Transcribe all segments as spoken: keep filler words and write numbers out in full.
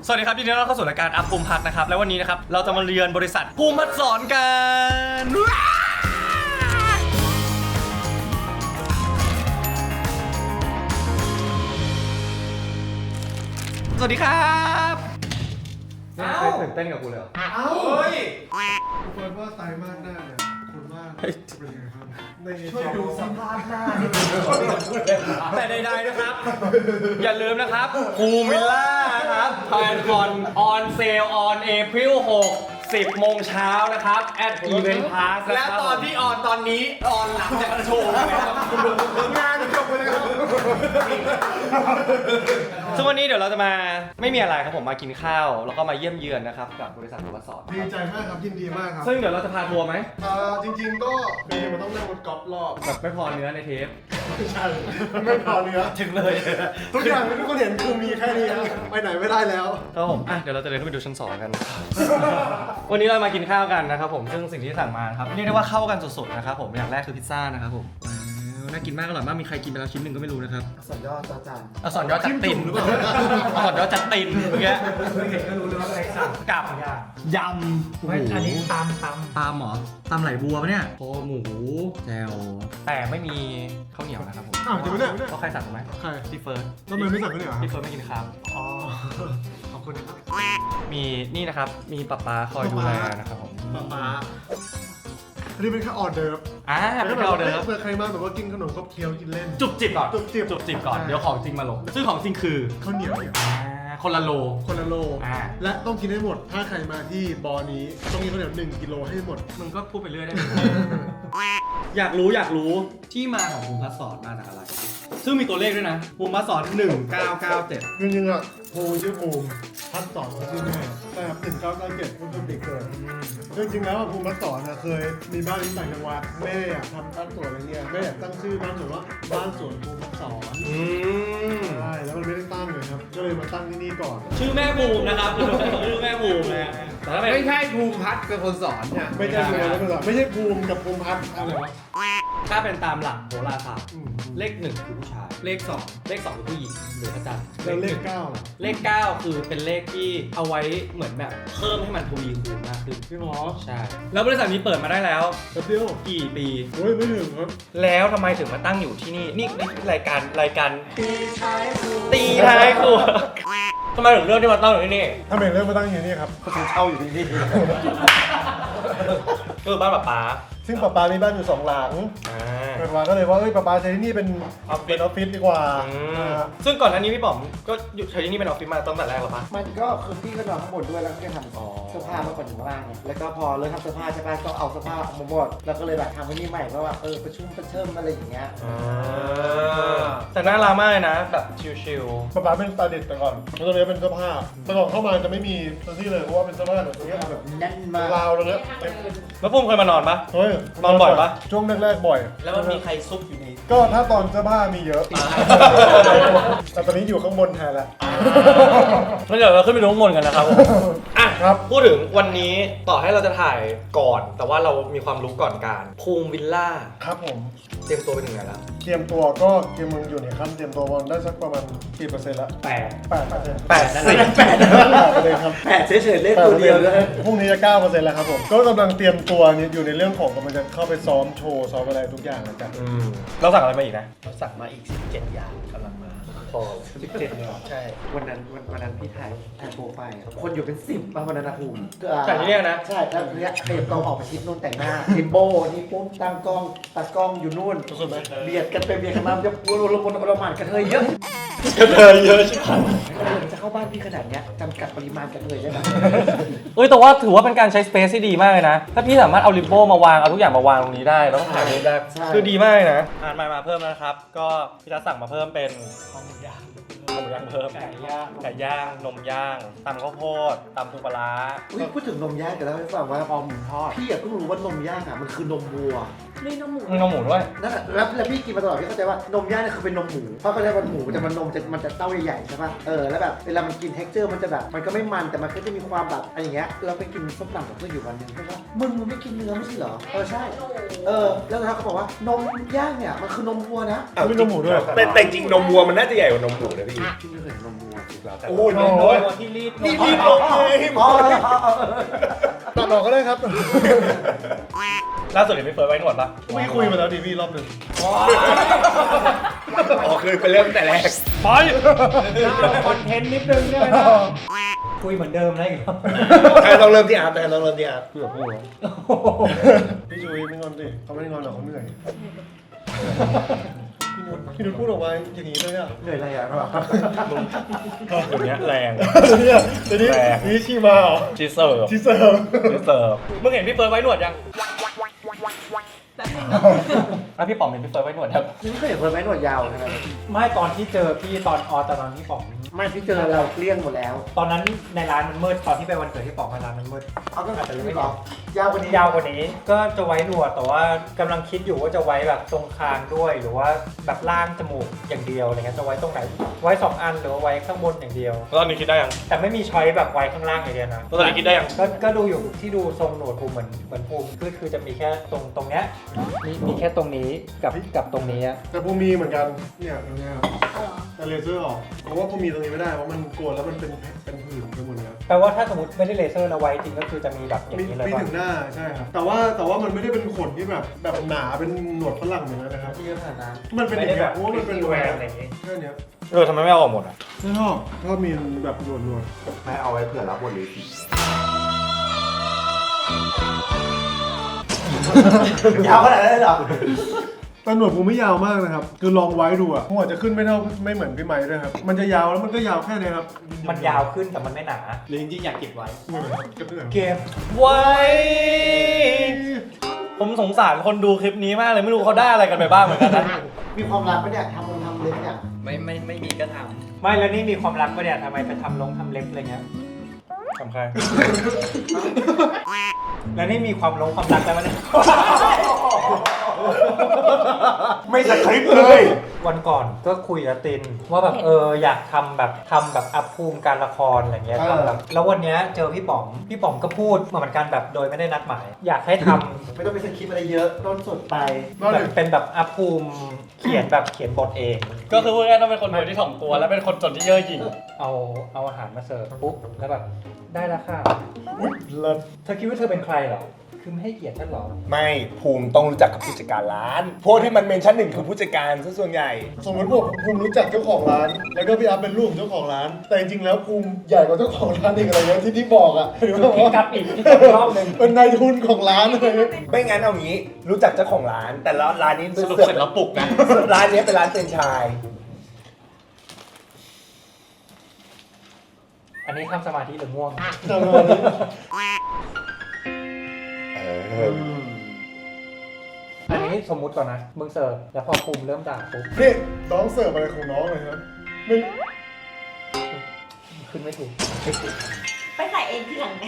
สวัสดีครับยินดีต้อนรับเข้าสู่รายการอัพภูมิพัฒน์นะครับและวันนี้นะครับเราจะมาเรียนบริษัทภูมิพัฒน์สอนกันสวัสดีครับนี่เคยตื่นเต้นกับกูเลยเหรอเอ้าเฮ้ยทุกคนว่าไตรมาสหน้าเนี่ยคุณว่าเป็นยังไงครับในช่วยดูสภาพหน้าแต่ใดๆนะครับอย่าลืมนะครับภูมิวิลล่าครับแพนคอนออนเซลออนเอพริลหก สิบโมงเช้านะครับแอดอีเวนต์พาสและตอนที่ออนตอนนี้ออนหลังจากโชว์นะครับงานจบไปเลยครับซึ่งวันนี้เดี๋ยวเราจะมาไม่มีอะไรครับผมมากินข้าวแล้วก็มาเยี่ยมเยือนนะครับกับบริษัทภูมิพัฒน์สอนดีใจมากครับยินดีมากครับซึ่งเดี๋ยวเราจะพาทัวร์ไหมเอ่อจริงๆก็เบย์มันต้องนั่งรถกอล์ฟรอบแบบไม่พอเนื้อในเทปไม่ใช่ไม่พอเนื้อถึงเลยทุกอย่างที่ทุกคนเห็นคือมีแค่นี้ไปไหนไม่ได้แล้วครับผมอ่ะเดี๋ยวเราจะเดินขึ้นไปดูชั้นสองกันวันนี้เรามากินข้าวกันนะครับผมซึ่งสิ่งที่สั่งมาครับเรียกได้ว่าเข้ากันสุดๆนะครับผมอย่างแรกคือพิซซ่านะครับผมน่ากินมากอร่อยมากมีใครกินไปแล้วชิ้นหนึ่งก็ไม่รู้นะครับสอนยอดจานเอาสอนยอดจัดติ่มหรือเปล่าเอาสอนยอดจัดติ่มเมื่อกี้เห็นก็รู้เลยว่าอะไรสั่งกับยำอันนี้ตามตามตามหรอตามไหลบัวปะเนี่ยโคหมูแจวแต่ไม่มีข้าวเหนียวนะครับผมอ้าวจะไม่ได้ก็ใครสั่งไหมใครพี่เฟิร์สทำไมไม่สั่งข้าวเหนียวพี่เฟิร์สไม่กินข้าวอ๋อขอบคุณนะครับมีนี่นะครับมีป๊าป๊าคอยดูแลนะครับผมป๊าป๊าอันนี้เป็นแค่ออเดิร์ฟอ่าเป็นแค่ออเดิร์ฟเผื่อใครมาแบบว่ากินขนมก็เคี้ยวกินเล่นจุบจิบก่อนจุบจิบจุบจิบก่อนเดี๋ยวของจริงมาลงซึ่งของจริงคือข้าวเหนียวคนละโลคนละโลและต้องกินให้หมดถ้าใครมาที่บอนี้ต้องกินข้าวเหนียวหนึ่งกิโลให้หมดมึงก็พูดไปเรื่อยได้อยากรู้อยากรู้ที่มาของภูมิพัฒน์สอนมาจากอะไรซึ่งมีตัวเลขด้วยนะภูมิพัฒน์สอนหนึ่งเก้าเก้าเจ็ดจริงๆอ่ะภูมิชื่อภูมิพัฒน์สอนชื่อแม่แต่หนึ่งเก้าเก้าเจ็ดมันเป็นเด็กเกิดจริงๆแล้วภูมิพัฒน์สอนเคยมีบ้านที่ต่างจังหวัดแม่อยากทำบ้านสวนอะไรเงี้ยแม่อยากตั้งชื่อบ้านสวนว่าบ้านสวนภูมิพัฒน์สอนใช่แล้วมันไม่ได้ตั้งเลยครับก็เลยมาตั้งที่นี่ก่อนชื่อแม่ภูมินะครับชื่อแม่ภูมินะไม่ใช่ภูมิพัฒน์เป็นคนสอนเนี่ยไม่ใช่ภูมิพัฒน์ไม่ใช่ภูมิกับภูมิพัฒน์อะไรวะถ้าเป็นตามหลักโหราศาสตร์เลขหนึ่งคือผู้ชายเลขสองเลขสองคือผู้หญิงหรือพระจันทร์แล้วเลขเก้าเลขเก้าคือเป็นเลขที่เอาไว้เหมือนแบบเพิ่มให้มันทวีคูณมากขึ้นพี่หมอใช่แล้วบริษัทนี้เปิดมาได้แล้วเดียวกี่ปีโอ้ยไม่ถึงครับแล้วทำไมถึงมาตั้งอยู่ที่นี่นี่นี่รายการรายการตีท้ายครัวตีท้ายครัวทำไมถึงเลือกที่มาตั้งอยู่ที่นี่ทำไมเลือกมาตั้งอยู่นี่ครับก็คือเช่าอยู่ที่นี่ก็คือบ้านป้าป๊าซึ่งป้าป๊ามีบ้านอยู่สองหลังเกิดมาก็เลยว่าเอ้ยป้าป๊าใช้ที่นี่เป็นออฟฟิศออฟฟิศดีกว่าซึ่งก่อนหน้านี้พี่ป๋อมก็ใช้ที่นี่เป็นออฟฟิศมาตั้งแต่แรกหรอปะมันก็คือพี่ก็นอนข้างบนด้วยแล้วก็ทำเสื้อผ้ามาก่อนอยู่ข้างล่างไงแล้วก็พอเริ่มทำเสื้อผ้าใช่ไหมก็เอาเสื้อผ้าออกมาหมดแล้วก็เลยแบบทำที่นี่ใหม่เพราะว่าเออประชุมประเชิมอะไรอย่างเงี้ยแต่น่ารักมากเลยนะแบบชิลๆป้าป๊าเป็นตาเด็ดแต่ก่อนแล้วตอนนี้เป็นเสื้อผ้าแต่ก่อนเข้ามาจะไม่มีตัวที่เลยเพราะว่าเป็นเสื้อผ้าแบบนี้แบบแน่นมากราวเลยแล้วพุ่มเคยมานอนปะเฮ้ยนอนบ่อยปะช่วงแรกๆบ่อยแล้วมันมีใครซุกอยู่ในก็ถ้าตอนเสื้อผ้ามีเยอะแต่ตอนนี้อยู่ข้างบนแทนแล้วงั้นเดี๋ยวเราขึ้นไปดูข้างบนกันนะครับอ่ะครับพูดถึงวันนี้ต่อให้เราจะถ่ายก่อนแต่ว่าเรามีความรู้ก่อนการภูมิวิลล่าครับผมเตรียมตัวไปถึงไหนแล้วเตรียมตัวก็เตรียมมึงอยู่ในขั้นเตรียมตัววันได้สักประมาณกี่เปอร์เซ็นต์ละแปดแปดเปอร์เซ็นต์แปดสิบแปดเลยครับแปดเฉยๆเลขตัวเดียวเลยพรุ่งนี้จะเก้าเปอร์เซ็นต์แล้วครับผมก็กำลังเตรียมตัวอยู่ในเรื่องของกำลังจะเข้าไปซ้อมโชว์ซ้อมอะไรทุกอย่างแล้วกันเราสั่งอะไรมาอีกนะเราสั่งมาอีกสิบเจ็ดอย่างกำลังมาพอสิบเจ็ดเลยใช่วันนั้นวันวันนั้นพี่ถ่ายถ่ายโปรไฟล์คนอยู่เป็นสิบมาวันนั้นนะภูมิแต่ที่นี่นะใช่แล้วเนี้ยเตรียมกล้องออกมาชิดนู่นแต่งหน้าทิมโบนี่ปุ๊บตั้งกล้องตัดกล้องอยู่นู่นเบียดกันไปเบียดกันมาจะปวดระบนระหม่านกระเทยเยอะกระเทยเยอะใช่ไหมจะเข้าบ้านพี่ขนาดเนี้ยจำกัดปริมาณกระเทยได้ไหมเอ้ยแต่ว่าถือว่าเป็นการใช้สเปซที่ดีมากเลยนะถ้าพี่สามารถเอาริมโบ้มาวางเอาทุกอย่างมาวางตรงนี้ได้แล้วก็ถ่ายรูปได้คือดีมากนะอ่านมามาเพิ่มนะครับก็พี่จะสั่งมาเพิ่มเป็นข้าวหมูย่างข้าวหมูย่างเพิ่มไก่ย่างไก่ย่างนมย่างตำข้าวโพดตำปูปลาอุ้ยพูดถึงนมย่างกันแล้วไม่ฟังว่าพอหมูทอดพี่อยากเพิ่งรู้ว่านมย่างอ่ะมันคือนมวัวมีนมหมูนมหมูด้วยนั่นแหละแล้วแล้วพี่กินมาตลอดพี่เข้าใจว่านมย่างเนี่ยคือเป็นนมหมูเพราะเขาเรียกว่าหมูแต่มันนมจะมันจะเต้าใหญ่ๆใช่ป่ะเออแล้วแบบเวลามันกินเท็กเจอร์มันจะแบบมันก็ไม่มันแต่มันก็จะมีความแบบอะไรอย่างเงี้ยเราไปกินส้มตำกับเพื่อนอยู่วันหนึงเขาว่ามึงมึงไม่กินเนื้อไม่ใช่เหรอเออใช่เออแล้วเขาบอกว่านมย่างเนี่ยมันคือนมวัวนะไม่นมหมูด้วยแต่แต่จริงนมวัวมันน่าจะใหญ่กว่านมหมูนะพี่พี่ไม่เคยเห็นนมวัวจริงแล้วโอ้ยนมโดวัวยที่รีดนี่รีบลงเลยอ๋อตัดออกก็ได้ครับล่าสุดเห็นพี่เฟิร์สไว้หนวดปะไม่คุยมาแล้วดิพี่รอบหนึ่งอ๋อคือเป็นเรื่องแต่แรกไปคอนเทนต์นิดนึงได้ไหมนะคุยเหมือนเดิมนะอีกรอบใครต้องเริ่มที่อาร์ตใครต้องเริ่มที่อาร์ตเพื่อพูดพี่จุ้ยไม่งอนดิเขาไม่ได้งอนหรอกเขาเหนื่อยพี่นุชพี่นุชพูดออกมาอย่างนี้เลยอ่ะเหนื่อยอะไรอ่ะเดี๋ยวนี้แรงเนี่ยเดี๋ยวนี้นี่ชีมาเหรอชีเสิร์ฟชีเสิร์ฟชีเสิร์ฟมึงเห็นพี่เฟิร์สไว้หนวดยังแป๊บนึงอ่ะพี่ป๋อมเห็นพี่เฟิร์สไว้หนวดครับนี่ไม่เคยเห็นคนไม้หนวดยาวใช่ไหมไม่ตอนที่เจอพี่ตอนออตอนที่ป๋องไม่ที่เจอเราเกลี้ยงหมดแล้วตอนนั้นในร้านมันมืดตอนที่ไปวันเกิดที่ป๋องมาร้านมันมืดเอาก็อาจจะไม่หรอยาวกว่านี้ยาวกว่านี้ก็จะไว้หนวดแต่ว่ากำลังคิดอยู่ว่าจะไว้แบบตรงคางด้วย หรือว่าแบบล่างจมูกอย่างเดียวอะไรเงี้ยจะไว้ตรงไหนไว้สองอันหรือว่าไว้ข้างบนอย่างเดียวตอนนี้คิดได้ยังแต่ไม่มีช้อยแบบไว้ข้างล่างอย่างเดียวนะตอนนี้คิดได้ยังก็ก็ดูอยู่ที่ดูทรงหนวดภูมิเหมือนเหมือนภูมิคือคือจะมีแค่ตรงตรงเนี้ยมีมีแค่ตรงนี้กับกับตรงนี้อะแต่ภูมีเหมือนกันเนี่ยตรงเนี้ยครับเอาเหรอแต่เลเซอร์ออกเพราะว่าภูมีตรงนี้ไม่ได้เพราะมันกลัวแล้วมันเป็นเป็นผื่นไปหมดเลยครับแปลว่าถ้าสมมติไม่ได้เลเซอร์แล้วไว้จริงก็คือจะมีแบบอย่างมีนี้เลยมีป่ะถึงหน้าใช่ครับแต่ว่าแต่ว่ามันไม่ได้เป็นขนที่แบบแบบหนาเป็นหนวดฝรั่งอย่างนั้นนะครับที่เยอะขนาดนั้นมันเป็นอไม่ย่างได้เงี้แบยบเพราะว่ามันเป็นแหวนอะไรอย่างงี้แค่เนี้ยเออทำไมไม่เอาออกหมดอ่ะไม่ชอบชอบมีแบบหนวดหนวดไม่เอาไว้เผื่อรับบทเลยสิยาวขนาดนั้นเลยเหรอแต่หนวดภูไม่ยาวมากนะครับคือลองไว้ดูอ่ะหัวจะขึ้นไม่เท่าไม่เหมือนพี่ไม้ด้วยครับมันจะยาวแล้วมันก็ยาวแค่เนี้ยครับมันยาวขึ้นแต่มันไม่หนาหรือจริงๆอยากเก็บไว้เหมือนครับกระเดื่องเกมไว้ผมสงสารคนดูคลิปนี้มากเลยไม่รู้เขาได้อะไรกันไปบ้างเหมือนกันนะมีความรักปะเนี่ยทำลงทำเล็บเนี่ยไม่ไม่ไม่มีก็ทไม่แล้วนี่มีความรักปะเนี่ยทำไมไปทำลงทำเล็บอะไรเงี้ยทำใครแล้วนี่มีความลงความรักแล้วปะเนี่ยไม่สคริปต์เลยวันก่อนก็คุยกับตินว่าแบบเอออยากทำแบบทำแบบอัพภูมิการละครอะไรเงี้ยทำแบบแล้ววันเนี้ยเจอพี่ป๋อมพี่ป๋อมก็พูดเหมือนกันแบบโดยไม่ได้นัดหมาย อยากให้ทำไม่ต้องไปสคริปต์อะไรเยอะต้นสดไปแบบเป็นแบบอัพภูมิเขียนแบบเขียนบทเองก็คือพูดง่ายๆต้องเป็นคนรวยที่ถ่อมตัวและเป็นคนจนที่เย่อหยิ่งเอาเอาอาหารมาเสิร์ฟปุ๊บแล้วแบบได้แล้วค่ะเลิศเธอคิดว่าเธอเป็นใครเหรอคือไม่ให้เกียรติฉันเหรอไม่ภูมิต้องรู้จักกับผู้จัดการร้านพวกที่มันเมนชั่นหนึ่งคือผู้จัดการซะส่วนใหญ่สมมติผมภูมิรู้จักเจ้าของร้าน แล้วก็พี่อัพเป็นลูกของเจ้าของร้าน แต่จริงๆแล้วภูมิใหญ่กว่าเจ้าของร้านอีกอะไรเงี้ยที่ที่บอกอ่ะหรือว่าพี่กลับอีกพี่กลับอีกรอบหนึ่งเป็นนายทุนของร้านอะไรเงี้ยไม่งั้นเอางี้รู้จักเจ้าของร้าน แต่ละร้านนี้สรุปเสร็จแล้วปลุกนะร้านนี้เป็นร้านเฟรนไชส์อันนี้ทำสมาธิหรือง่วงจำวันนี้เอออันนี้สมมุติก่อนนะ มึงเสิร์ฟแล้วพอภูมิเริ่มด่าปุ๊บนี่น้องเสิร์ฟอะไรของน้องเลยครับไม่ขึ้นไม่ถูกไปใส่เองทีหลังไง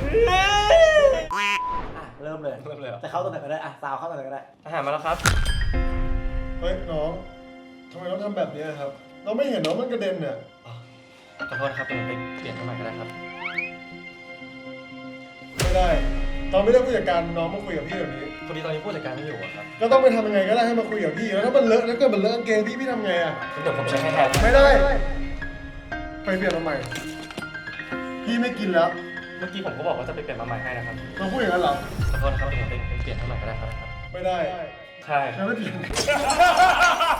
อ่ะเริ่มเลยเริ่มเลยเหรอจะเข้าตรงไหนก็ได้อ่ะสาวเข้าตรงไหนก็ได้อาหารมาแล้วครับเฮ้ยน้องทำไมต้องทำแบบนี้ครับ เราไม่เห็นน้องมันกระเด็นเนี่ยขอโทษครับเดี๋ยวผมไปเปลี่ยนให้ใหม่ก็ได้ครับไม่ได้ตอนไม่ได้ผู้จัดการน้องมาคุยกับพี่แบบนี้พอดีตอนนี้ผู้จัดการไม่อยู่อะครับก็ต้องไปทำยังไงก็ได้ให้มาคุยกับพี่แล้วถ้ามันเลอะแล้วเกิดมันเลอะกางเกงพี่พี่ทำไงอ่ะเดี๋ยวผมเช็คให้แทนไม่ได้ ไปเปลี่ยนมาใหม่ พี่ไม่กินแล้วเมื่อกี้ผมก็บอกว่าจะไปเปลี่ยนมาใหม่ให้นะครับเราพูดอย่างนั้นเหรอขอโทษนะครับเดี๋ยวผมไปเปลี่ยนให้ใหม่ก็ได้ครับไม่ได้ใช่ฉันไม่เปลี่ยน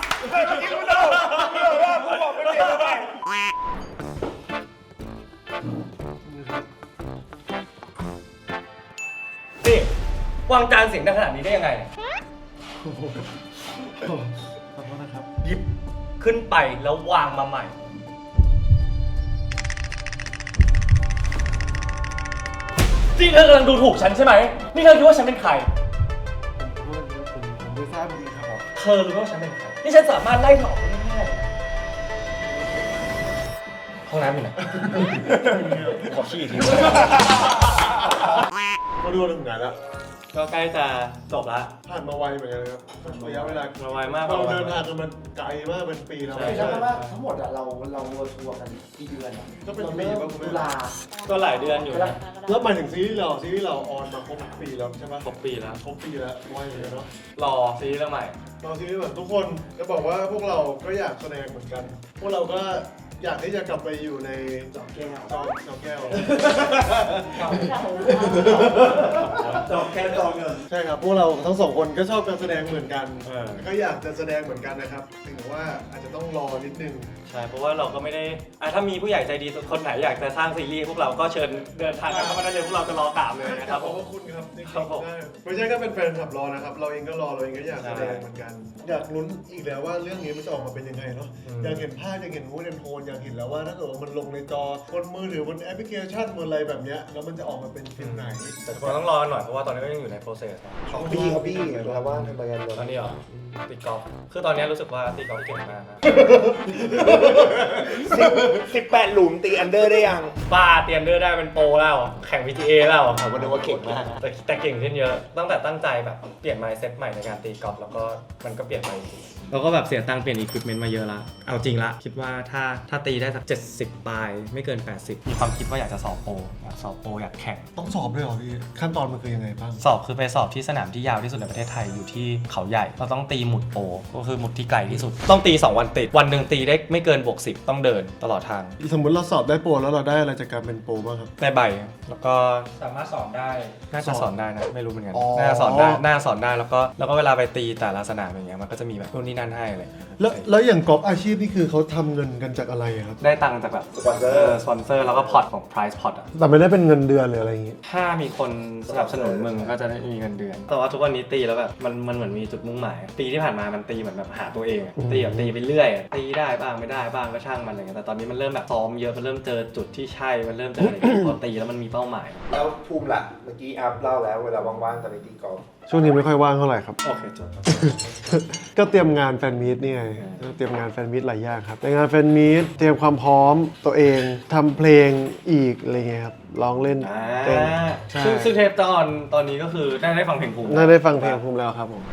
นี่วางจานเสียงดังขนาดนี้ได้ยังไงขอโทษนะครับหยิบขึ้นไปแล้ววางมาใหม่ ที่เธอกำลังดูถูกฉันใช่ไหม นี่เธอคิดว่าฉันเป็นใครผมผมผมไม่ทราบจริงครับเธอรู้ว่าฉันเป็นใคร นี่ฉันสามารถไล่เธอออกได้ง่ายๆเลยนะห้องน้ำอยู่ไหน ขอขี้อีกทีเขาดูถึงไหนแล้วก็ใกล้จะจบละผ่านมาไวเหมือนกันครับระยะเวลามาไวมากเราเดินทางกันมันไกลมากเป็นปีแล้วไม่ใช่ว่าทั้งหมดอะเราเราเวิร์ทัวร์กันกี่เดือนอะก็เป็นเราปีเริ่มป่ะคุณตุแม่ลาก็หลายเดือนอยู่นะแล้วหมายถึงซีรีส์เราซีรีส์เราออนมาครบปีแล้วใช่ไหมครบปีแล้วครบปีแล้วไวเหมือนกันเนาะรอซีรีส์เรื่องใหม่ตอนซีรีส์เหมือนทุกคนจะบอกว่าพวกเราก็อยากแสดงเหมือนกัน พวกเราก็อยากที่จะกลับไปอยู่ในจอมแก้วจอจอแก้วจอมแก้วจอมเงินใช่ครับพวกเราทั้งสองคนก็ชอบการแสดงเหมือนกันเออก็อยากจะแสดงเหมือนกันนะครับถึงว่าอาจจะต้องรอนิดนึงใช่เพราะว่าเราก็ไม่ได้อ่ะถ้ามีผู้ใหญ่ใจดีคนไหนอยากจะสร้างซีรีส์พวกเราก็เชิญเดินทางกันเข้ามาได้เลยพวกเราจะรอกราบเลยนะครับขผอบมพระคุณครับจริงครับผมๆได้ไม่ใช่แค่เป็นแฟนคลับรอนะครับ เราเองก็รอเราเองก็อยากแสดงเหมือนกัน อยากลุ้นอีกแล้วว่าเรื่องนี้มันจะออกมาเป็นยังไงเนาะอยากเห็นภาพอยากเห็นมูดแอนโทนอยากเห็นแล้วว่าถ้าเกิดว่ามันลงในจอบนมือถือบนแอปพลิเคชันบนอะไรแบบเนี้ยแล้วมันจะออกมาเป็นฟิลไหนแต่ทุกคนต้องรอกันหน่อยเพราะว่าตอนนี้ก็ยังอยู่ใน process นะของบี้ครับบี้เราว่าทำไมกันตอนนี้เหรอตีกอล์ฟคือตอนนี้รู้สึกว่าตีกอล์ฟเก่งมากนะสิบแปดหลุมตีอันเดอร์ได้ยังป้าเตรียมเดอร์ได้เป็นโปรแล้วแข่ง พี จี เอ แล้วผมก็นึกว่าเก่งมากแต่แต่เก่งขึ้นเยอะตั้งแต่ตั้งใจแบบเปลี่ยน mindset ใหม่ในการตีกอล์ฟแล้วก็มันก็เปลี่ยนไปเราก็แบบเสียตังค์เปลี่ยน equipment มาเยอะละเอาจริงละคิดว่าถ้าถ้าตีได้สักเจ็ดสิบปลายไม่เกินแปดสิบมีความคิดว่าอยากจะสอบโปรอยากสอบโปรอยากแข่งต้องสอบด้วยเหรอพี่ขั้นตอนมันคือยังไงบ้างสอบคือไปสอบที่สนามที่ยาวที่สุดในประเทศไทยอยู่ที่เขาใหญ่เราต้องตีหมุดโปรก็คือหมุดที่ไกลที่สุดต้องตีสองวันติดวันหนึ่งตีได้ไม่เกินบวกสิบต้องเดินตลอดทางสมมติเราสอบได้โปรแล้วเราได้อะไรจากการเป็นโปรบ้างครับได้ใบแล้วก็สามารถสอนได้น่าจะสอนได้นะไม่รู้เหมือนกันอ๋อน่าจะสอนได้น่าจะสอนได้แล้วก็แล้วก็เวลาไปตีแต่ละสนามอย่างเงี้ยมันก็จะมีแบบนู่นนี่นั่นให้อะไรแล้วแล้วอย่างกอล์ฟอาชีพนี่คือเขาทำเงินกันจากอะไรอะครับได้ตังค์จากแบบสปอนเซอร์สปอนเซอร์แล้วก็พอร์ตของ price pot อ่ะแต่ไม่ได้เป็นเงินเดือนหรืออะไรอย่างงี้ถ้ามีคนสนับสนุนมึงก็จะได้มีเงินเดือน แต่ว่าทุกวันนี้ตีแล้วแบบมันมันเหมือนมีจุดมุ่งหมาย ปีที่ผ่านมามันตีเหมือนแบบหาตัวเองอะอืมตีแบบตีไปเรื่อยอะตีได้บ้างไม่ได้บ้างก็ช่างมันอะไรเงี้ยแต่ตอนนี้มันเริ่มแบบซ้อมเยอะมันเริ่มเจอจุดที่ใช่มันเริ่มเจออะไรที่พอตีแล้วมันมีเป้าหมายแล้วภูมิล่ะ เมื่อกี้อัพเล่าแล้วเวลาว่างๆตอนนี้ตีกอล์ฟช่วงนี้ไม่ค่อยว่างเท่าไหร่ครับโอเคจบก็เตรียมงานแฟนมีตนี่ไงก็เตรียมงานแฟนมีตหลายอย่างครับในงานแฟนมีตเตรียมความพร้อมตัวเองทำเพลงอีกอะไรเงี้ยครับร้องเล่นอ่าเต้นใช่ซึ่งซึ่งเทปตอนตอนนี้ก็คือได้ได้ฟังเพลงภูมิน่าได้ฟังเพลงภูมิแล้วครับผม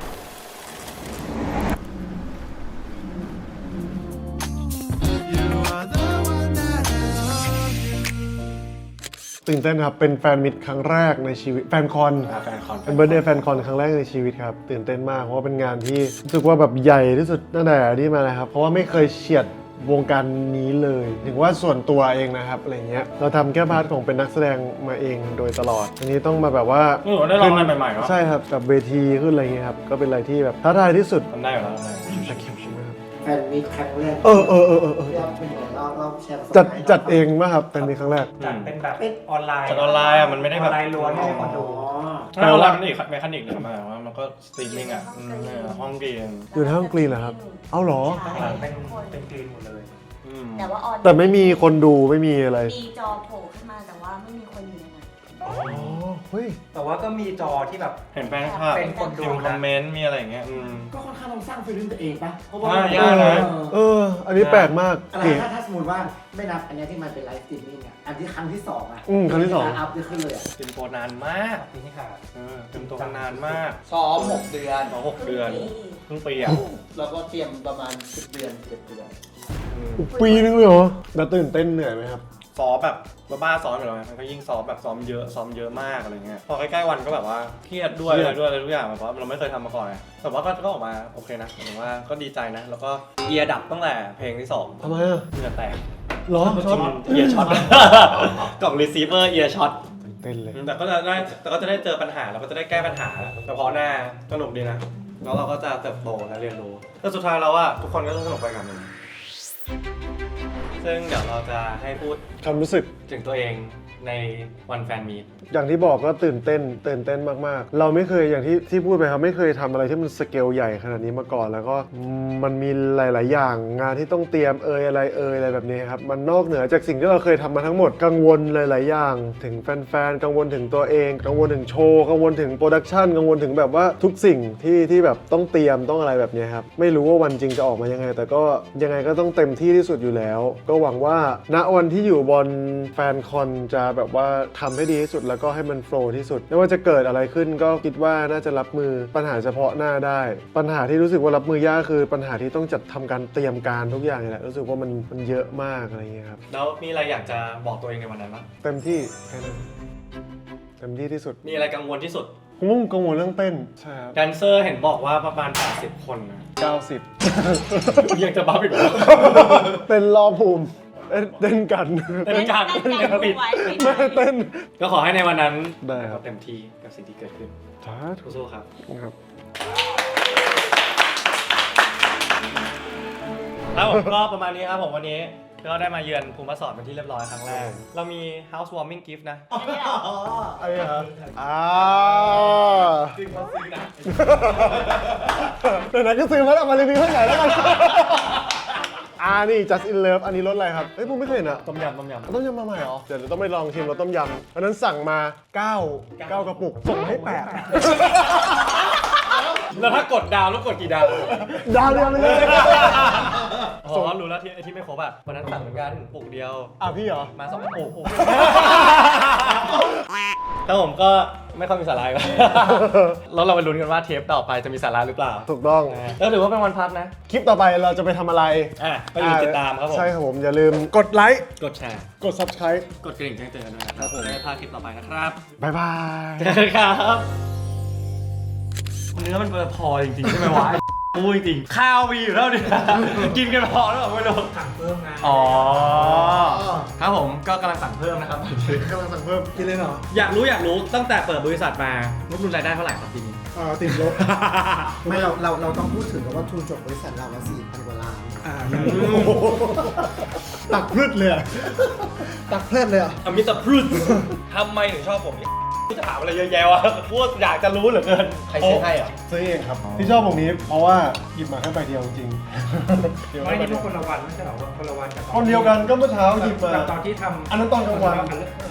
ตื่นเต้นครับเป็นแฟนมิตรครั้งแรกในชีวิตแฟนคอนอ่าแฟนคอนเป็นเบิร์ดเดย์แฟนคอนครั้งแรกในชีวิตครับตื่นเต้นมากเพราะว่าเป็นงานที่รู้สึกว่าแบบใหญ่ที่สุดตั้งแต่ที่มาเลยครับเพราะว่าไม่เคยเฉียดวงการนี้เลยถึงว่าส่วนตัวเองนะครับอะไรเงี้ยเราทำแค่พาร์ทของเป็นนักแสดงมาเองโดยตลอดอันนี้ต้องมาแบบว่าเออได้ลองอะไรใหม่ๆเนาะใช่ครับกับเวทีขึ้นอะไรเงี้ยครับก็เป็นอะไรที่แบบท้าทายที่สุดทำได้อยู่แล้วทำได้แฟนมีครั้งแรกเออเออเออเออเออเราเป็นยังไงเราเราแชร์ประสบจัดการณ์จัดเองป่ะครับเป็นมีครั้งแรกจัดเป็นแบบออนไลน์จัดออนไลน์อ่ะมันไม่ได้อแบอบ นไลน์ล้วนให้คนดูถ้าออนไลน์มันอีกเมคานิกหนึ่งมาว่ามันก็สตรีมมิ่งอ่ะอืมเนี่ยห้องเกมอยู่ในห้องกรีนเหรอครับเอาเหรอข้างหลังเป็นเป็นกรีนหมดเลยอืมแต่ว่าออนแต่ไม่มีคนดูไม่มีอะไรมีจอโผล่ขึ้นมาแต่ว่าไม่มีคนอยู่ในนั้นอ๋อเฮ้ยแต่ว่าก็มีจอที่แบบเห็นแฟนคลับเป็นคนดูพิมพ์คอมเมนต์มีอะไรอย่างเงี้ยอืมก็ค่อนข้างต้องสร้างฟีลลิ่งตัวเองปะเพราะว่าอ่ายากนะเออ อันนี้แปลกมากอะไรเก๋ถ้าถ้าสมมติว่าไม่นับอันเนี้ยที่มันเป็นไลฟ์สตรีมมิ่งอ่ะอันที่ครั้งที่สองอ่ะอืมครั้งที่สองอัพจะขึ้นเลยอ่ะเตรียมตัวนานมากปีที่ขาดเออเตรียมตัวกันนานมากซ้อมหกเดือนสองหกเดือนเพิ่งปีอ่ะแล้วก็เตรียมประมาณสิบเดือนสิบเอ็ดเดือนอืมปีนึงเลยเหรอแล้วตื่นเต้นเหนื่อยไหมครับซ้อมแบบบ้าๆซ้อมอยู่แล้วไงมันก็ยิ่งซ้อมแบบซ้อมเยอะซ้อมเยอะมากอะไรเงี้ยพอใกล้ๆวันก็แบบว่าเครียดด้วยเครีอะยดไรด้วยอะไรทุกอย่างแบบเพราะเราไม่เคยทำมาก่อนไงแต่ว่าก็ก็ออกมาโอเคนะหมายถึงว่าก็ดีใจนะ แล้วก็เอียร์ดับตั้งแต่เพลงที่สองทำไมอ่ะเหงื่อแตกเหรอเอียร์ช็อต กล่องรีเซิร์ฟเวอร์เอียร์ช็อตเต้นเลยแต่ก็จะได้แต่ก็จะได้เจอปัญหาแล้วก็จะได้แก้ปัญหาเฉพาะหน้าสนุกดีนะแล้วเราก็จะเติบโตและเรียนรู้แต่สุดท้ายแล้วอะทุกคนก็ต้องสนุกไปกับมันซึ่งเดี๋ยวเราจะให้พูดความรู้สึกถึงตัวเองในวันแฟนมีตอย่างที่บอกก็ตื่นเต้นตื่นเต้นมากๆ เราไม่เคยอย่างที่ที่พูดไปครับไม่เคยทำอะไรที่มันสเกลใหญ่ขนาดนี้มาก่อน แล้วก็มันมีหลาย ๆ อย่างงานที่ต้องเตรียมเอยอะไรเอยอะไรแบบนี้ครับมันนอกเหนือจากสิ่งที่เราเคยทำมาทั้งหมดกังวลหลาย ๆ อย่าง ถึงแฟน ๆ กังวลถึงตัวเอง กังวลถึงโชว์กังวลถึงโปรดักชันกังวลถึงแบบว่าทุกสิ่งที่ที่แบบต้องเตรียมต้องอะไรแบบนี้ครับไม่รู้ว่าวันจริงจะออกมายังไง แต่ก็ยังไงก็ต้องเต็มที่ที่สุดอยู่แล้ว ก็ก็หวังว่าณวันที่อยู่บนแฟนคอนจะแบบว่าทำให้ดีที่สุดแล้วก็ให้มันโฟลว์ที่สุดไม่ว่าจะเกิดอะไรขึ้นก็คิดว่าน่าจะรับมือปัญหาเฉพาะหน้าได้ปัญหาที่รู้สึกว่ารับมือยากคือปัญหาที่ต้องจัดทำการเตรียมการทุกอย่างนี่แหละรู้สึกว่ามันมันเยอะมากอะไรอย่างเงี้ยครับแล้วมีอะไรอยากจะบอกตัวเองในวันนั้นบ้างเต็มที่แค่นั้นเต็มที่ที่สุดมีอะไรกังวลที่สุดผมว่ากังวลเรื่องเต้นใช่ครับแดนเซอร์เห็นบอกว่าประมาณแปดสิบคนนะเก้าสิบยังจะบ้าอีกเหรอเต้นรอภูมิเต้นเต้นกันเต้นกันเต้นกันปิดไว้ไม่เต้นก็ขอให้ในวันนั้นได้ครับเต็มที่กับสิ่งที่เกิดขึ้นสาธุสู้ๆครับครับครับผมก็ประมาณนี้ครับผมวันนี้ก็ได้มาเยือนภูมิสอนเป็นที่เรียบร้อยครั้งแรก เรามี housewarming gift นะอะไรครับอ่าแต่นั้นก็ซื้อมาเอามารีวิวให้หน่อยแล้วกันอ่านี่ just in love อันนี้รสอะไรครับเฮ้ยผมไม่เคยเห็นอะต้มยำต้มยำต้มยำมาใหม่เหรอเดี๋ยวต้องไปลองชิมรสต้มยำอันนั้นสั่งมาเก้า เก้ากระปุกส่งให้แปดแล้วถ้ากดดาวแล้วกดกี่ดาวดาวเดียวไปเลยอ๋อรู้แล้วที่ที่ไม่ครบอ่ะวันนั้นสั่งเหมือนกันปลูกเดียวอ่ะพี่เหรอมาสองกระปุกแล้วผมก็ไม่ค่อยมีสาระก็ แล้วเราไปลุ้นกันว่าเทปต่อไปจะมีสาระหรือเปล่าถูกต้องแล้วถือว่าเป็นวันพักนะคลิปต่อไปเราจะไปทำอะไรอ่ะไปอยู่ติดตามครับผมใช่ครับผม อย่าลืมกดไลค์กดแชร์กด subscribe กดกระดิ่งแจ้งเตือนด้วยนะครับจะได้พลาดคลิปต่อไปนะครับบ๊ายบายเจอกันครับเนื้อมันพอจริงๆใช่ไหมวะพูดจริงๆข้าวมีอยู่แล้วเนี่ยกินกันพอแล้วไม่รู้สั่งเพิ่มไงอ๋อครับผมก็กำลังสั่งเพิ่มนะครับกำลังสั่งเพิ่มกินเลยเหรออยากรู้อยากรู้ตั้งแต่เปิดบริษัทมางบดุลรายได้เท่าไหร่ครับปีนี้อ่าติดลบไม่เราเราเราต้องพูดถึงกับว่าทุนจดบริษัทเราว่าสี่พันกว่าล้านอ่าตักพรึดเลยอะตักเพลิดเลยอ่ะอมิตาพรุษทำไมถึงชอบผมพี่จะถามอะไรเยอะแยะวะพูดอยากจะรู้เหลือเกินใครซื้อให้อ่ะซื้อเองครับที่ชอบวงนี้เพราะว่าหยิบมาแค่ใบเดียวจริงไม่นี่พวกคนละวันไม่ใช่เหรอว่าคนละวันกับคนเดียวกันก็เมื่อเช้าหยิบมาตอนที่ทำอันนั้นตอนกลางวัน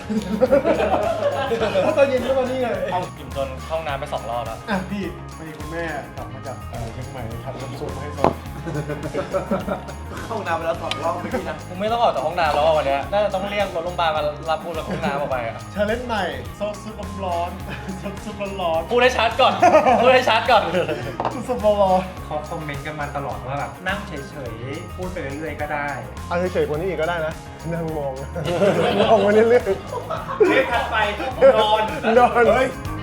ถ้าตอนเย็นก็มานี่ไงกินจนเข้าห้องน้ำไปสองรอบแล้วอ่ะพี่พอดีคุณแม่กลับมาจากเอ่อเชียงใหม่ทำน้ำซุปมาให้ซอสเข้าน้ำไปแล้วสองรอบเมื่อกี้นะกูไม่ต้องออกจากห้องน้ำแล้วอะวันเนี้ยน่าจะต้องเรียกรถโรงพยาบาลมารับกูจากห้องน้ำออกไปอะชาเลนจ์ใหม่ซอสซุปร้อนๆซอสซุปร้อนพูดให้ชัดก่อนพูดให้ชัดก่อนๆซอสซุปร้อนเขาคอมเมนต์กันมาตลอดว่าแบบนั่งเฉยๆ พูดไปเรื่อยๆก็ได้ๆเอาเฉยๆกว่านี้อีกก็ได้นะนั่งมอง มองมาเรื่อยเทปถัดไปนอนๆนอน